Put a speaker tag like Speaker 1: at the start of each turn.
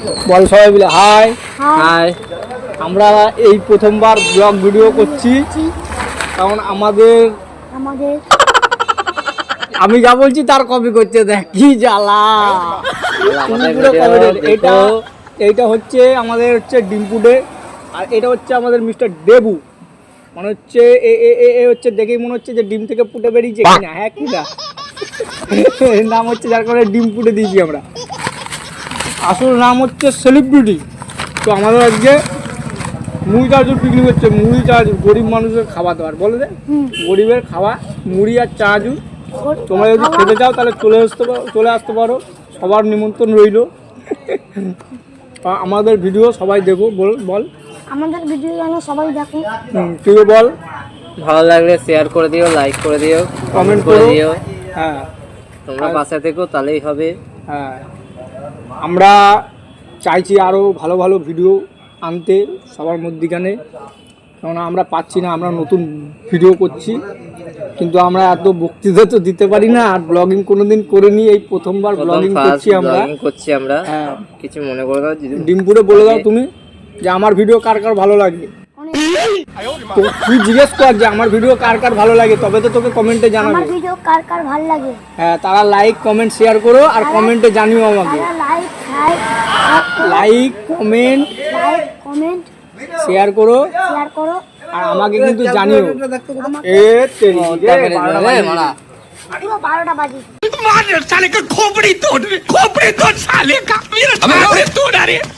Speaker 1: বল সবাই মিলে high high. আমরা এই প্রথমবার ব্লগ ভিডিও করছি, কারণ আমাদের আমি যা বলছি তার কপি করতে দেখ কি জ্বালা। এইটা হচ্ছে আমাদের হচ্ছে ডিমপুডে, আর এটা হচ্ছে আমাদের মিস্টার দেবু। মানে হচ্ছে এ হচ্ছে দেখেই মনে হচ্ছে যে ডিম থেকে ফুটে বেরিয়েছে কিনা। হ্যাঁ কিনা এর নাম হচ্ছে, যার কারণে ডিম ফুটে দিয়েছি আমরা। আসল নাম হচ্ছে সেলিব্রিটি। তো আমাদের আজকে মুড়ি চানাচুর পিকনিক হচ্ছে। মুড়ি চানাচুর গরিব মানুষের খাওয়া দাওয়ার বলে দে, গরিবের খাওয়া মুড়ি আর চানাচুর। তোমরা যদি খেতে চাও তাহলে চলে আসতে পারো, সবার নিমন্ত্রণ রইল। আমাদের ভিডিও সবাই দেখো, বল
Speaker 2: আমাদের ভিডিও যেন সবাই দেখো।
Speaker 1: তুই বল।
Speaker 3: ভালো লাগলে শেয়ার করে দিও, লাইক করে দিও,
Speaker 1: কমেন্ট করে দিও।
Speaker 3: হ্যাঁ, তোমরা পাশে থেকো, তাহলেই হবে।
Speaker 1: হ্যাঁ, আমরা চাইছি আরও ভালো ভালো ভিডিও আনতে সবার মধ্যিখানে, কারণ আমরা পাচ্ছি না। আমরা নতুন ভিডিও করছি, কিন্তু আমরা এত বক্তৃতা তো দিতে পারি না, আর ব্লগিং কোনোদিন করিনি, এই প্রথমবার ব্লগিং করছি আমরা। হ্যাঁ,
Speaker 3: কিছু মনে করে দাও।
Speaker 1: ডিমপুরে বলে দাও তুমি যে আমার ভিডিও কার কার ভালো লাগে। তো তুই জিজ্ঞেস কর যে আমার ভিডিও কার কার ভালো লাগে, তবে তো তোকে কমেন্টে জানাবে।
Speaker 2: আমার ভিডিও কার কার ভালো লাগে।
Speaker 1: হ্যাঁ, তারা লাইক কমেন্ট শেয়ার করো, আর কমেন্টে জানিও আমাকে। লাইক কমেন্ট শেয়ার করো, আর আমাকে কিন্তু জানিও। এ তেরি রে
Speaker 2: 12টা বাজে।
Speaker 4: साले का खोपड़ी तोड़ साले का मेरा